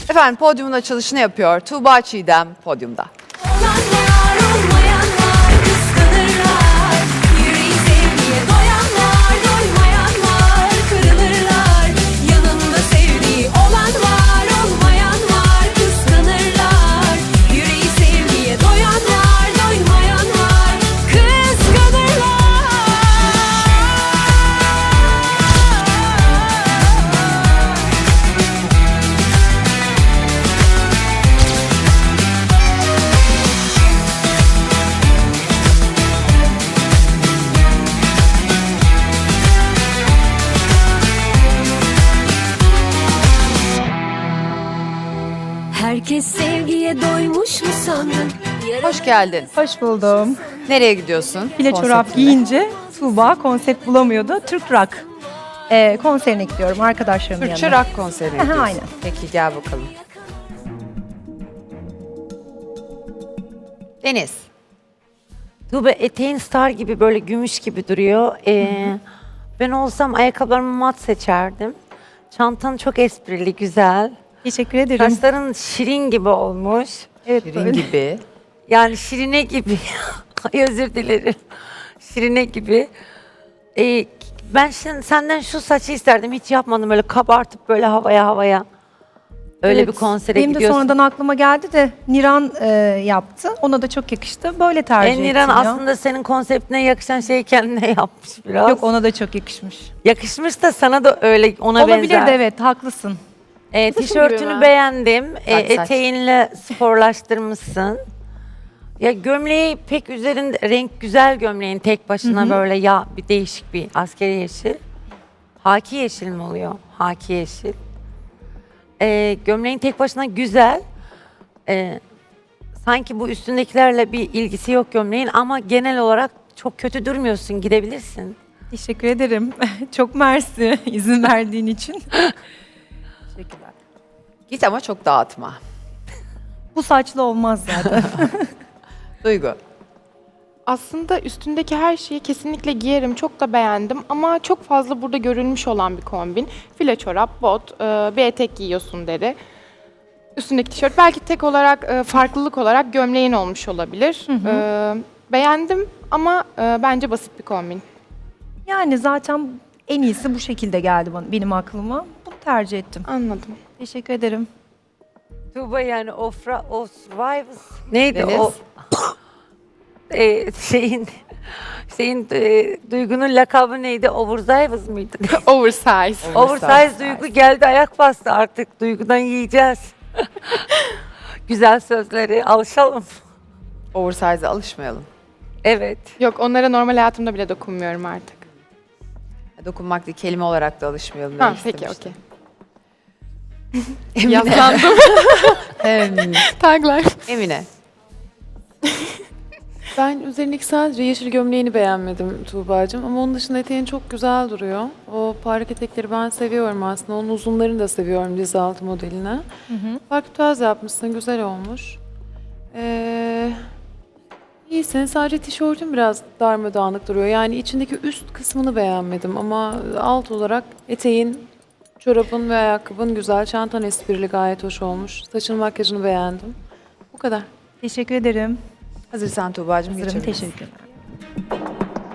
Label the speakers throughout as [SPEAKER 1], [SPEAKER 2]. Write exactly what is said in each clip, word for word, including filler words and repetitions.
[SPEAKER 1] Efendim podyumun açılışını yapıyor. Tuğba Çiğdem podyumda.
[SPEAKER 2] Olanlar olmayanlar kıskanırlar. Yüreği sevgiye doyanlar doymayanlar kırılırlar. Yanında sevdiği olan var olmayan var kıskanırlar. Yüreği sevgiye doyanlar doymayanlar kıskanırlar. Herkes sevgiye doymuş mu sandın?
[SPEAKER 1] Hoş geldin.
[SPEAKER 3] Hoş buldum.
[SPEAKER 1] Nereye gidiyorsun?
[SPEAKER 3] File çorap
[SPEAKER 1] Konseptinde.
[SPEAKER 3] giyince Tuğba konsept bulamıyordu. Türk Rock ee, konserine gidiyorum arkadaşlarımın
[SPEAKER 1] Türkçe
[SPEAKER 3] yanına.
[SPEAKER 1] rock konserine
[SPEAKER 3] Aha,
[SPEAKER 1] gidiyorsun.
[SPEAKER 3] aynen.
[SPEAKER 1] Peki gel bakalım. Deniz.
[SPEAKER 4] Tuğba eteğin star gibi böyle gümüş gibi duruyor. Ee, ben olsam ayakkabılarımı mat seçerdim. Çantan çok esprili, güzel.
[SPEAKER 3] Teşekkür ederim.
[SPEAKER 4] Saçların şirin gibi olmuş.
[SPEAKER 3] Evet,
[SPEAKER 1] Şirin
[SPEAKER 3] böyle.
[SPEAKER 1] gibi.
[SPEAKER 4] Yani şirine gibi. Ay özür dilerim. Şirine gibi. Ee, ben şimdi senden şu saçı isterdim. Hiç yapmadım böyle kabartıp böyle havaya havaya. Öyle
[SPEAKER 3] Evet,
[SPEAKER 4] bir konsere
[SPEAKER 3] benim
[SPEAKER 4] gidiyorsun.
[SPEAKER 3] de sonradan aklıma geldi de Niran e, yaptı. Ona da çok yakıştı. Böyle tercih ettim
[SPEAKER 4] Eniran
[SPEAKER 3] ya.
[SPEAKER 4] aslında senin konseptine yakışan şeyi kendine yapmış biraz.
[SPEAKER 3] Yok, ona da çok yakışmış.
[SPEAKER 4] Yakışmış da sana da öyle ona
[SPEAKER 3] Olabilir
[SPEAKER 4] benzer.
[SPEAKER 3] de, evet, haklısın.
[SPEAKER 4] E, tişörtünü beğendim. E,
[SPEAKER 1] Saç, saç.
[SPEAKER 4] eteğinle sporlaştırmışsın. Ya gömleği pek üzerinde renk güzel gömleğin tek başına böyle ya bir değişik bir askeri yeşil. Haki yeşil mi oluyor? Haki yeşil. E, gömleğin tek başına güzel. E, sanki bu üstündekilerle bir ilgisi yok gömleğin ama genel olarak çok kötü durmuyorsun. Gidebilirsin.
[SPEAKER 3] Teşekkür ederim. Çok mersi izin verdiğin için. Teşekkürler.
[SPEAKER 1] Git ama çok dağıtma.
[SPEAKER 3] Bu saçlı olmaz zaten.
[SPEAKER 1] Duygu.
[SPEAKER 5] Aslında üstündeki her şeyi kesinlikle giyerim. Çok da beğendim ama çok fazla burada görülmüş olan bir kombin. File çorap, bot, e, bir etek giyiyorsun deri. Üstündeki tişört belki tek olarak e, farklılık olarak gömleğin olmuş olabilir. E, beğendim ama e, bence basit bir kombin.
[SPEAKER 3] Yani zaten en iyisi bu şekilde geldi bana, benim aklıma. Bunu tercih ettim.
[SPEAKER 5] Anladım.
[SPEAKER 3] Teşekkür ederim.
[SPEAKER 4] Tuğba yani Ofra, Osrivers neydi
[SPEAKER 1] Deniz.
[SPEAKER 4] o? e, şeyin şeyin e, Duygu'nun lakabı neydi? Oversize mıydı?
[SPEAKER 5] Oversize.
[SPEAKER 4] Oversize Duygu geldi ayak bastı artık. Duygu'dan yiyeceğiz. Güzel sözleri alışalım.
[SPEAKER 1] Oversize'a alışmayalım.
[SPEAKER 4] Evet.
[SPEAKER 5] Yok, onlara normal hayatımda bile dokunmuyorum artık.
[SPEAKER 1] Dokunmak değil, kelime olarak da alışmayalım.
[SPEAKER 5] Ha,
[SPEAKER 1] demek
[SPEAKER 5] peki,
[SPEAKER 1] istemiştim.
[SPEAKER 5] okey. Yaslandım.
[SPEAKER 1] Em,
[SPEAKER 5] Taglar.
[SPEAKER 1] Emine.
[SPEAKER 6] Ben üzerindeki sadece yeşil gömleğini beğenmedim Tuğba'cığım ama onun dışında eteğin çok güzel duruyor. O parlak etekleri ben seviyorum aslında. Onun uzunlarını da seviyorum diz altı modeline. Farklı tarz yapmışsın, güzel olmuş. Ee, iyisin, sadece tişörtün biraz darmadağınık duruyor. Yani içindeki üst kısmını beğenmedim ama alt olarak eteğin, çorabın ve ayakkabın güzel. Çantan esprili, gayet hoş olmuş. Saçın, makyajını beğendim. Bu kadar.
[SPEAKER 3] Teşekkür ederim.
[SPEAKER 1] Hazırsan Tuğba'cığım
[SPEAKER 3] Hazırım,
[SPEAKER 1] geçebilirsin.
[SPEAKER 3] teşekkürler.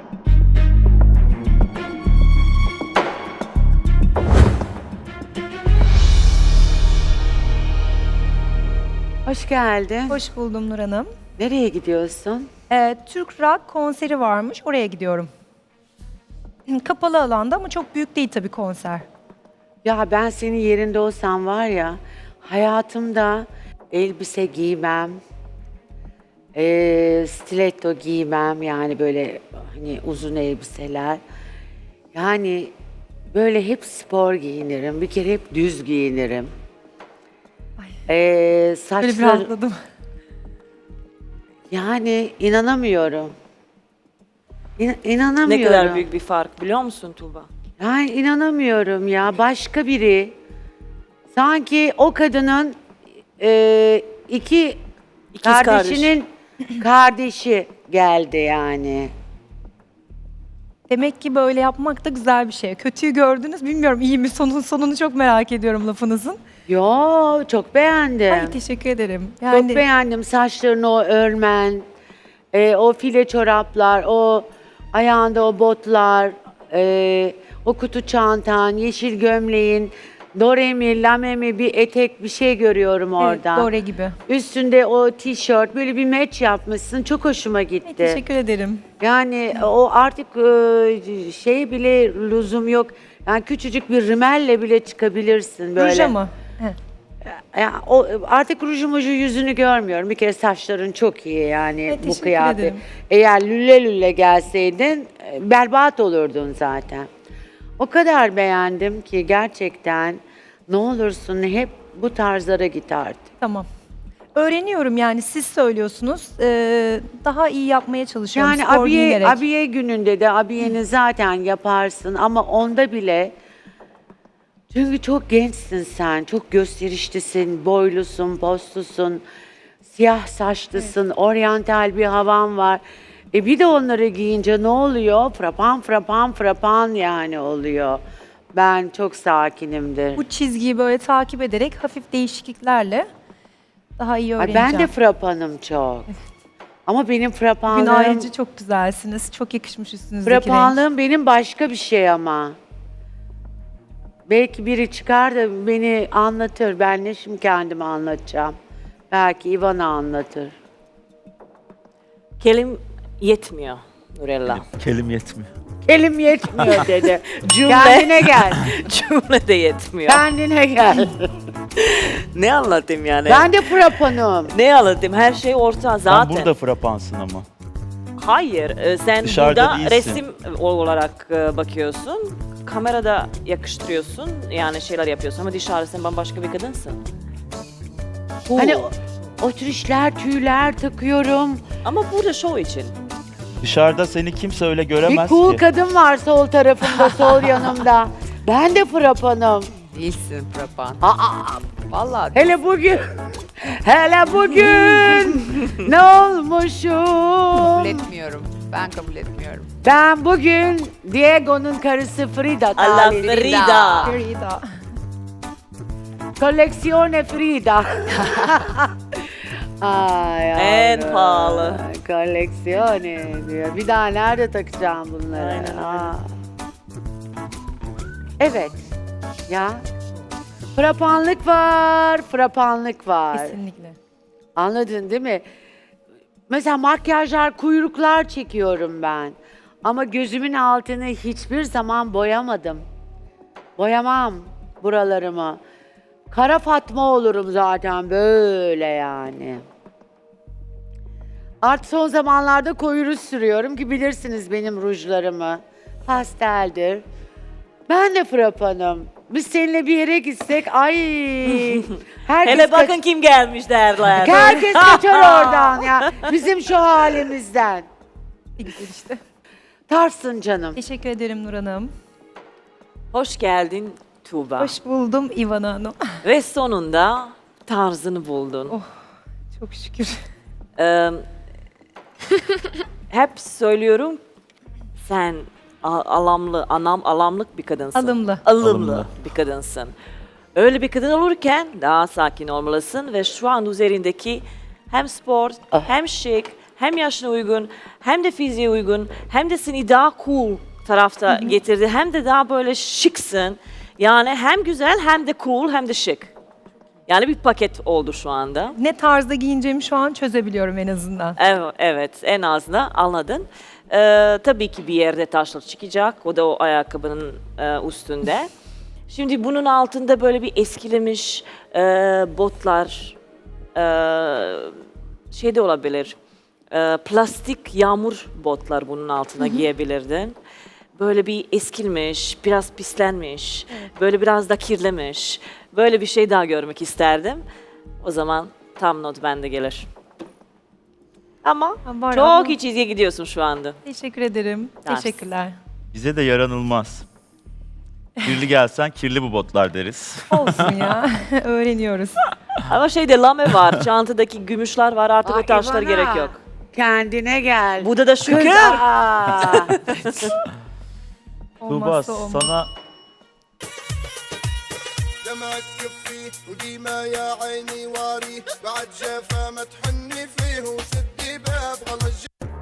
[SPEAKER 7] Hoş geldin.
[SPEAKER 3] Hoş buldum Nur Hanım.
[SPEAKER 7] Nereye gidiyorsun?
[SPEAKER 3] Ee, Türk Rock konseri varmış, oraya gidiyorum. Kapalı alanda ama çok büyük değil tabii konser.
[SPEAKER 7] Ya ben senin yerinde olsam var ya, hayatımda elbise giymem, eee, stiletto giymem, yani böyle hani uzun elbiseler. Yani böyle hep spor giyinirim, bir kere hep düz giyinirim. Eee
[SPEAKER 3] Böyle bir
[SPEAKER 7] saçlar,
[SPEAKER 3] rahatladım.
[SPEAKER 7] yani inanamıyorum. İn- inanamıyorum.
[SPEAKER 8] Ne kadar büyük bir fark biliyor musun Tuğba?
[SPEAKER 7] Yani inanamıyorum ya, başka biri. Sanki o kadının e, iki
[SPEAKER 8] İkiz
[SPEAKER 7] kardeşinin kardeşi geldi yani.
[SPEAKER 3] Demek ki böyle yapmak da güzel bir şey. Kötüyü gördünüz. Bilmiyorum iyi mi? Sonun sonunu çok merak ediyorum lafınızın.
[SPEAKER 7] Yo, çok beğendim.
[SPEAKER 3] Ay teşekkür ederim.
[SPEAKER 7] Çok
[SPEAKER 3] Yani
[SPEAKER 7] beğendim saçlarını o örmen, e, o file çoraplar, o ayağında o botlar, e, o kutu çantan, yeşil gömleğin, doremi, lamemi bir etek bir şey görüyorum
[SPEAKER 3] evet,
[SPEAKER 7] orada.
[SPEAKER 3] Dore gibi.
[SPEAKER 7] Üstünde o tişört böyle bir match yapmışsın. Çok hoşuma
[SPEAKER 3] Ay,
[SPEAKER 7] gitti.
[SPEAKER 3] teşekkür ederim.
[SPEAKER 7] Yani o artık e, şey bile lüzum yok. Yani küçücük bir rimelle bile çıkabilirsin böyle.
[SPEAKER 3] Ruja mı? He.
[SPEAKER 7] Ya o artık ruju muju yüzünü görmüyorum. Bir kere saçların çok iyi yani
[SPEAKER 3] Evet,
[SPEAKER 7] bu
[SPEAKER 3] teşekkür
[SPEAKER 7] kıyafet.
[SPEAKER 3] ederim.
[SPEAKER 7] Eğer lüle lüle gelseydin e, berbat olurdun zaten. O kadar beğendim ki gerçekten ne olursun hep bu tarzlara git artık.
[SPEAKER 3] Tamam. Öğreniyorum yani siz söylüyorsunuz. Ee, daha iyi yapmaya çalışıyorum.
[SPEAKER 7] Yani
[SPEAKER 3] spor
[SPEAKER 7] abiye,
[SPEAKER 3] giyinerek.
[SPEAKER 7] abiye gününde de abiyeni zaten yaparsın ama onda bile çünkü çok gençsin sen, çok gösterişlisin, boylusun, postlusun, siyah saçlısın, oryantal bir havan var. E bir de onları giyince ne oluyor? Frapan frapan frapan yani oluyor. Ben çok sakinimdir.
[SPEAKER 3] Bu çizgiyi böyle takip ederek hafif değişikliklerle daha iyi
[SPEAKER 7] Ay
[SPEAKER 3] öğreneceğim.
[SPEAKER 7] ben de frapanım çok. Ama benim
[SPEAKER 3] Bugün
[SPEAKER 7] frapanlığım,
[SPEAKER 3] ayrıca çok güzelsiniz. Çok yakışmış üstünüzdeki renk.
[SPEAKER 7] frapanlığım benim başka bir şey ama. Belki biri çıkar da beni anlatır. Ben ne şimdi kendimi anlatacağım. Belki Ivana anlatır.
[SPEAKER 8] Kelim yetmiyor Nurella.
[SPEAKER 9] Kelim yetmiyor.
[SPEAKER 7] Elim yetmiyor dedi.
[SPEAKER 8] Cümle,
[SPEAKER 7] Kendine gel.
[SPEAKER 8] cümle de yetmiyor.
[SPEAKER 7] Kendine gel.
[SPEAKER 8] Ne anlatayım yani?
[SPEAKER 7] Ben de frapanım.
[SPEAKER 8] Ne anlatayım? Her şey orta zaten.
[SPEAKER 9] Sen burada frapansın ama.
[SPEAKER 8] Hayır, e, sen
[SPEAKER 9] Dışarıda
[SPEAKER 8] burada
[SPEAKER 9] değilsin.
[SPEAKER 8] resim olarak e, bakıyorsun. Kamerada yakıştırıyorsun. Yani şeyler yapıyorsun ama dışarıda sen bambaşka bir kadınsın.
[SPEAKER 7] Hani o, o tür işler, tüyler takıyorum.
[SPEAKER 8] Ama burada show için.
[SPEAKER 9] Dışarıda seni kimse öyle
[SPEAKER 7] Bir
[SPEAKER 9] göremez
[SPEAKER 7] cool
[SPEAKER 9] ki.
[SPEAKER 7] kadın var sol tarafımda, sol yanımda. Ben de frapanım.
[SPEAKER 1] Değilsin Frapan.
[SPEAKER 7] Aa,
[SPEAKER 1] Vallahi
[SPEAKER 7] hele bugün, hele bugün ne olmuşum?
[SPEAKER 1] kabul etmiyorum. Ben kabul etmiyorum.
[SPEAKER 7] Ben bugün Diego'nun karısı Frida
[SPEAKER 8] Allah
[SPEAKER 7] talibiyim.
[SPEAKER 8] Frida.
[SPEAKER 3] Frida.
[SPEAKER 7] Koleksiyone Frida. Ay
[SPEAKER 8] En
[SPEAKER 7] yavrum,
[SPEAKER 8] pahalı.
[SPEAKER 7] Koleksiyone diyor. Bir daha nerede takacağım bunları?
[SPEAKER 8] Aynen öyle.
[SPEAKER 7] Aa. Evet. Ya. Frapanlık var, frapanlık var.
[SPEAKER 3] Kesinlikle.
[SPEAKER 7] Anladın değil mi? Mesela makyajlar, kuyruklar çekiyorum ben. Ama gözümün altını hiçbir zaman boyamadım. Boyamam buralarımı. Kara Fatma olurum zaten böyle yani. Artık son zamanlarda koyu ruj sürüyorum ki bilirsiniz benim rujlarımı. Pasteldir. Ben de frapanım. Biz seninle bir yere gitsek ay herkes
[SPEAKER 8] Hele bakın
[SPEAKER 7] kaç-
[SPEAKER 8] kim gelmiş derler.
[SPEAKER 7] herkes kaçar oradan ya. Bizim şu halimizden.
[SPEAKER 3] Ne güzel işte.
[SPEAKER 7] Tarsın canım.
[SPEAKER 3] Teşekkür ederim Nur Hanım.
[SPEAKER 8] Hoş geldin Tuğba.
[SPEAKER 3] Hoş buldum İvana Hanım.
[SPEAKER 8] Ve sonunda tarzını buldun.
[SPEAKER 3] Oh. Çok şükür.
[SPEAKER 8] Ee, hep söylüyorum sen a- alamlı, anam alamlık bir kadınsın.
[SPEAKER 3] Alımlı.
[SPEAKER 8] Alımlı,
[SPEAKER 9] Alımlı.
[SPEAKER 8] bir kadınsın. Öyle bir kadın olurken daha sakin olmalısın ve şu an üzerindeki hem spor, hem şık, hem yaşına uygun, hem de fiziğe uygun, hem de seni daha cool tarafta getirdi. Hem de daha böyle şıksın. Yani hem güzel, hem de cool, hem de şık. Yani bir paket oldu şu anda.
[SPEAKER 3] Ne tarzda giyineceğimi şu an çözebiliyorum en azından.
[SPEAKER 8] Evet, evet en azından anladın. Ee, tabii ki bir yerde taşlar çıkacak. O da o ayakkabının e, üstünde. Şimdi bunun altında böyle bir eskilemiş e, botlar e, şey de olabilir. E, plastik yağmur botlar bunun altına giyebilirdin. Böyle bir eskilmiş, biraz pislenmiş, böyle biraz da kirlemiş. Böyle bir şey daha görmek isterdim. O zaman tam not bende gelir. Ama
[SPEAKER 3] Ha, var
[SPEAKER 8] çok
[SPEAKER 3] ama-
[SPEAKER 8] iyi çizgiye gidiyorsun şu anda.
[SPEAKER 3] Teşekkür ederim.
[SPEAKER 8] Ters.
[SPEAKER 3] Teşekkürler.
[SPEAKER 9] Bize de yaranılmaz. Kirli gelsen kirli bu botlar deriz.
[SPEAKER 3] Olsun ya. Öğreniyoruz.
[SPEAKER 8] Ama şeyde lame var, çantadaki gümüşler var artık
[SPEAKER 7] Aa,
[SPEAKER 8] o taşlar
[SPEAKER 7] İvana,
[SPEAKER 8] gerek yok.
[SPEAKER 7] Kendine gel.
[SPEAKER 8] Burada da
[SPEAKER 7] Kız,
[SPEAKER 8] şükür.
[SPEAKER 7] aa.
[SPEAKER 9] Tuğba
[SPEAKER 3] Olmazsa olmaz.
[SPEAKER 9] sana
[SPEAKER 10] دمعك كفي وديما يا عيني واري بعد جافا ما تحني فيه وسدي باب غلط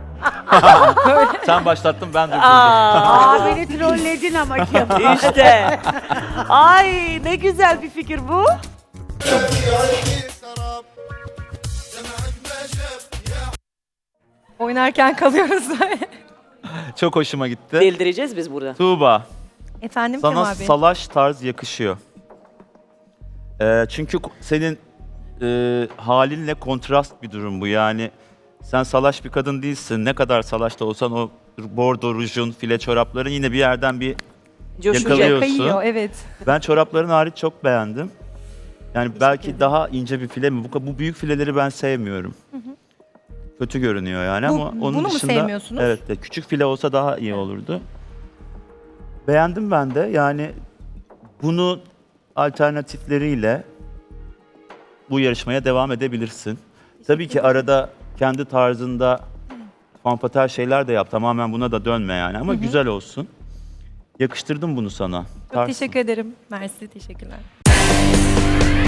[SPEAKER 9] sen başlattın ben durdurdum.
[SPEAKER 7] Aa beni trolledin ama Kemal.
[SPEAKER 8] İşte. Ay ne güzel bir fikir bu.
[SPEAKER 10] جافي سراب دمعك ما شاف يا
[SPEAKER 3] Oynarken kalıyoruz.
[SPEAKER 9] Çok hoşuma gitti.
[SPEAKER 8] Deldireceğiz biz burada.
[SPEAKER 9] Tuğba
[SPEAKER 3] Efendim
[SPEAKER 9] sana
[SPEAKER 3] Kemal Bey.
[SPEAKER 9] salaş tarz yakışıyor. Ee, çünkü ko- senin e, halinle kontrast bir durum bu. Yani sen salaş bir kadın değilsin. Ne kadar salaş da olsan o bordo rujun, file çorapların yine bir yerden bir
[SPEAKER 8] Coşacak.
[SPEAKER 9] yakalıyor.
[SPEAKER 3] Kayıyor evet.
[SPEAKER 9] Ben çorapların hariç çok beğendim. Yani belki daha ince bir file mi? Bu, bu büyük fileleri ben sevmiyorum. Kötü görünüyor yani
[SPEAKER 3] Bu-
[SPEAKER 9] ama onun
[SPEAKER 3] bunu mu
[SPEAKER 9] dışında
[SPEAKER 3] sevmiyorsunuz?
[SPEAKER 9] evet de küçük file olsa daha iyi olurdu. Beğendim ben de. Yani bunu alternatifleriyle bu yarışmaya devam edebilirsin. Tabii ki arada kendi tarzında fanfater şeyler de yap. Tamamen buna da dönme yani ama güzel olsun. Yakıştırdım bunu sana.
[SPEAKER 3] Çok
[SPEAKER 9] Tarzsın.
[SPEAKER 3] teşekkür ederim. Mersi teşekkürler.